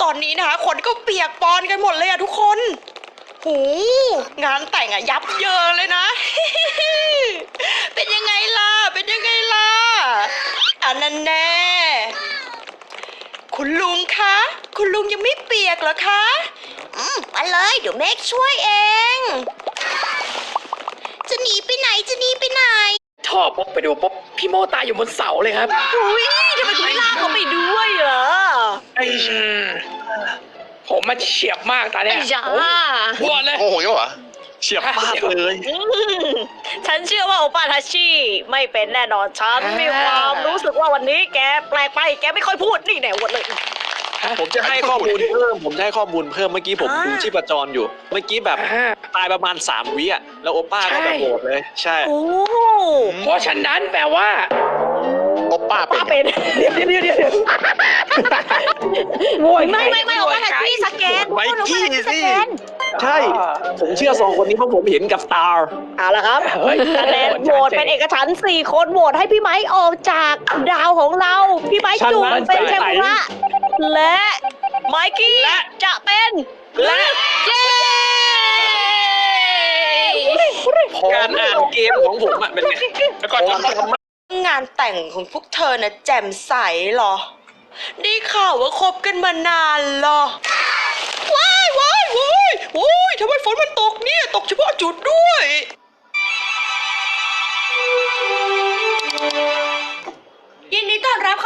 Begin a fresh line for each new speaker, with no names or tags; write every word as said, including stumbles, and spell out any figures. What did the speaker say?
อนนี้นะคะคนก็เปียกปอนกันหมดเลยอะทุกคนหูงานแต่งอะยับเยินเลยนะ เป็นยังไงล่ะเป็นยังไงล่ะอันนั้นแน่คุณลุงคะคุณลุงยังไม่เปียกเหรอคะอืมมาเลยเดี๋ยวเมฆช่วยเองจะหนีไปไหนจะหนีไปไหน
ชอบปุ๊บไปดูปุ๊บพี่โมตายอยู่บนเสาเลยครับ
อุ้ยทำไมคุณไม่ลากเขาไปด้วยเหรอ
ไอ้ผมมาเฉียบมากตาเนี่ย
ไอ้ยา
บวชเลย
โอ้โหเหรอเฉียบมากเลย
อืมฉันเชื่อว่าโอปาทาชิไม่เป็นแน่นอนฉันมีความรู้สึกว่าวันนี้แกแปลกไปแกไม่ค่อยพูดนี่แน่หมดเลย
ผมจะให้ข้อมูลเพิ่มผมจะให้ข้อมูลเพิ่มเมื่อกี้ผม
อ่า
ดูชีพจรอยู่ เมื่อกี้แบบ
อ่า
ตายประมาณสามวิอ่ะแล้วโอป้าก็แบบ
ใช่
โหดเลย ใช่
โอ้
เพราะฉะนั้นแปลว่า
โอป้าเป็น
ป้าเป็น
เดี๋ยวเดี๋ยวเดี๋ยวเดี๋ยวโวย
ไม่ไม่ไม่โอปาทาชิสแกน
ไมค์กี้
โอปาทาชิส
สิ
แกน
ใช่ ผมเชื่อสองคนนี้เพราะผมเห็นกับตา
เอาละครับ
เฮ้ย
คะแนนโหวตเป็นเอกฉันท์สี่คนโหวตให้พี่ไม้ออกจากดาวของเรา พี่ไม้จุ่มเป็นเทมปุระและไมกี้จะเป็นและเย้
การอ่านเกมของผมอ่ะเป็นไง
แล้วก่อน
ผมทำ
งานแต่งของพวกเธอนะแจ่มใสเหรอ ได้ข่าวว่าคบกันมานานเหรอ ว้ายว้ายว้ายโอ้ยทำไมฝนมันตกเนี่ย ตกเฉพาะจุดด้วยยินดีต้อนรับ